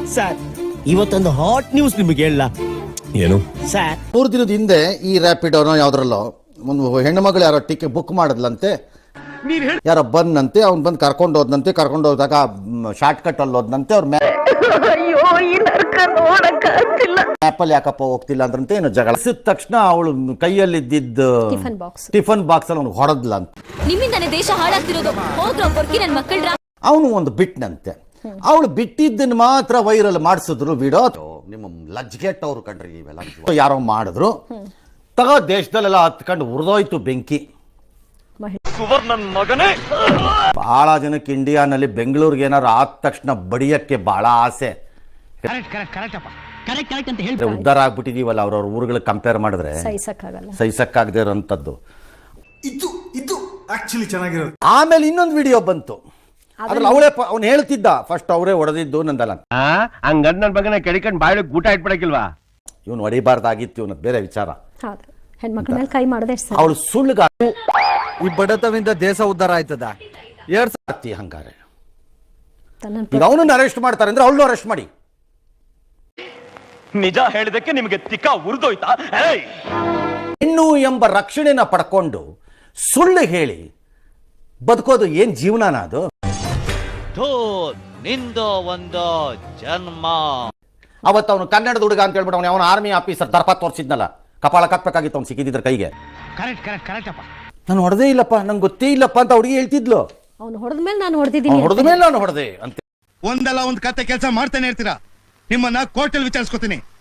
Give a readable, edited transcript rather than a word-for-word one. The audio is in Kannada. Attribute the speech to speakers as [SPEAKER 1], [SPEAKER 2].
[SPEAKER 1] ಸರ್ ಇವತ್ತೊಂದು ಹಾಟ್ ನ್ಯೂಸ್ ನಿಮಗೆ ಹೇಳ.
[SPEAKER 2] ಏನು
[SPEAKER 1] ಸರ್
[SPEAKER 3] 3 ದಿನದ ಹಿಂದೆ ಈ ರ್ಯಾಪಿಡೋನೋ ಯಾವ್ದ್ರಲ್ಲೋ ಒಂದು ಹೆಣ್ಣು ಮಗಳು ಯಾರೋ ಟಿಕೆಟ್ ಬುಕ್ ಮಾಡಿದ್ಲಂತೆ. ಯಾರೋ ಬಂದಂತೆ, ಅವ್ನು ಬಂದು ಕರ್ಕೊಂಡು ಹೋದ್ನಂತೆ. ಕರ್ಕೊಂಡು ಹೋದಾಗ ಶಾರ್ಟ್ ಕಟ್ ಅಲ್ಲಿ ಹೋದ್ನಂತೆ. ಅವ್ರ ಮ್ಯಾಪಲ್ಲಿ ಯಾಕಪ್ಪ ಹೋಗ್ತಿಲ್ಲ ಅಂದ್ರಂತೆ. ಏನೋ ಜಗಳ ತಕ್ಷಣ ಅವಳು ಕೈಯಲ್ಲಿ ಇದ್ದಿದ್ದ ಟಿಫನ್ ಬಾಕ್ಸ್ ಅಲ್ಲಿ ಅವ್ನು ಹೊಡೆದ್ಲ ಅಂತ.
[SPEAKER 4] ನಿಮ್ಮಿಂದಾನೆ ದೇಶ ಹಾಳಾಗ್ತಿರೋದು. ಹೋಗ್ರೋ ಬರ್ಕಿ ನನ್ನ ಮಕ್ಕಳ್ರ.
[SPEAKER 3] ಅವನು ಒಂದು ಬಿಟ್ನಂತೆ. ಅವಳು ಬಿಟ್ಟಿದ್ದನ್ನು ಮಾತ್ರ ವೈರಲ್ ಮಾಡಿಸಿದ್ರು ವಿಡಿಯೋ. ನಿಮ್ಮ ಲಜ್ಗೆಟ್ ಅವ್ರು ಕಂಡ್ರಿ ಇವೆಲ್ಲ ಯಾರೋ ಮಾಡಿದ್ರು. ತಗೋ ದೇಶದಲ್ಲೆಲ್ಲ ಹತ್ಕೊಂಡು ಉರಿದೋಯ್ತು ಬೆಂಕಿ. ಬಹಳ ಜನಕ್ಕೆ ಇಂಡಿಯಾನಲ್ಲಿ ಬೆಂಗಳೂರಿಗೆ ಏನಾರು ಆದ ತಕ್ಷಣ ಬಡಿಯಕ್ಕೆ ಬಹಳ ಆಸೆ. ಉದ್ಧಾರ ಆಗ್ಬಿಟ್ಟಿದೀವಲ್ಲ ಅವ್ರವ್ರ ಊರುಗಳಿಗೆ ಕಂಪೇರ್ ಮಾಡಿದ್ರೆ ಸಹಿಸಕ್ಕಾಗದೇ ಇರೋಂಥದ್ದು.
[SPEAKER 2] ಇದು ಆಕ್ಚುಲಿ ಚೆನ್ನಾಗಿರೋದು.
[SPEAKER 3] ಆಮೇಲೆ ಇನ್ನೊಂದು ವಿಡಿಯೋ ಬಂತು. ಅದ್ರಲ್ಲಿ ಅವಳೇ ಅವ್ನು ಹೇಳ್ತಿದ್ದ ಫಸ್ಟ್ ಅವರೇ ಹೊಡೆದಿದ್ದು ನಂದಲ್ಲ.
[SPEAKER 5] ಹಂಗಂದ್ ನನ್ ಬಗ್ಗೆ ಕೆಡಿಕೊಂಡು ಬಾಯಿ ಊಟ ಇಟ್ಬಿಡಕಿಲ್ವಾ?
[SPEAKER 3] ಇವನು ಹೊಡಿಬಾರ್ದಾಗಿತ್ತು, ಇವನು ಬೇರೆ ವಿಚಾರ.
[SPEAKER 6] ಹೆಣ್ಮಕ್ಳ ಮೇಲೆ ಕೈ ಮಾಡದೆ
[SPEAKER 3] ಅವಳು ಸುಳ್ಳುಗ
[SPEAKER 1] ಈ ಬಡತವಿಂದ ದೇಶ ಉದ್ಧಾರ ಆಯ್ತದ.
[SPEAKER 3] ಹಂಗಾರೆ ಈಗ ಅವನನ್ನು ಅರೆಸ್ಟ್ ಮಾಡ್ತಾರೆ ಅಂದ್ರೆ ಅವಳನ್ನು ಅರೆಸ್ಟ್ ಮಾಡಿ.
[SPEAKER 5] ನಿಜ ಹೇಳಿದಕ್ಕೆ ನಿಮಗೆ ತಿಕ್ಕ ಉರಿದೋಯ್ತಾ?
[SPEAKER 3] ಹೆಣ್ಣು ಎಂಬ ರಕ್ಷಣೆನ ಪಡ್ಕೊಂಡು ಸುಳ್ಳು ಹೇಳಿ ಬದುಕೋದು ಏನ್ ಜೀವನನ ಅದು?
[SPEAKER 7] ನಿಂದು ಒಂದು ಜನ್ಮ.
[SPEAKER 3] ಅವತ್ತು ಅವನು ಕನ್ನಡದ ಹುಡುಗ ಅಂತ ಹೇಳ್ಬಿಟ್ಟು ಅವನು ಆರ್ಮಿ ಆಫೀಸರ್ ದರ್ಪ ತೋರಿಸಿದ್ನಲ್ಲ, ಕಪಾಳ ಕಟ್ಬೇಕಾಗಿತ್ತು ಅವ್ನು ಸಿಕ್ಕಿದ್ರ ಕೈಗೆ. ನಾನು ಹೊಡೆದೇ ಇಲ್ಲಪ್ಪ, ನಂಗೆ ಗೊತ್ತೇ ಇಲ್ಲಪ್ಪ ಅಂತ ಹುಡುಗಿ ಹೇಳ್ತಿದ್ಲು.
[SPEAKER 6] ಅವ್ನು ಹೊಡೆದ್ಮೇಲೆ ನಾನು ಹೊಡೆದಿದ್ದೀನಿ,
[SPEAKER 3] ಹೊಡೆದ ಮೇಲೆ ನಾನು ಹೊಡೆದೆ ಅಂತ.
[SPEAKER 2] ಒಂದಲ್ಲ ಒಂದ್ ಕತೆ ಕೆಲಸ ಮಾಡ್ತಾನೆ ಇರ್ತೀರಾ. ನಿಮ್ಮನ್ನ ಕೋರ್ಟಲ್ಲಿ ವಿಚಾರಿಸ್ಕೊತೀನಿ.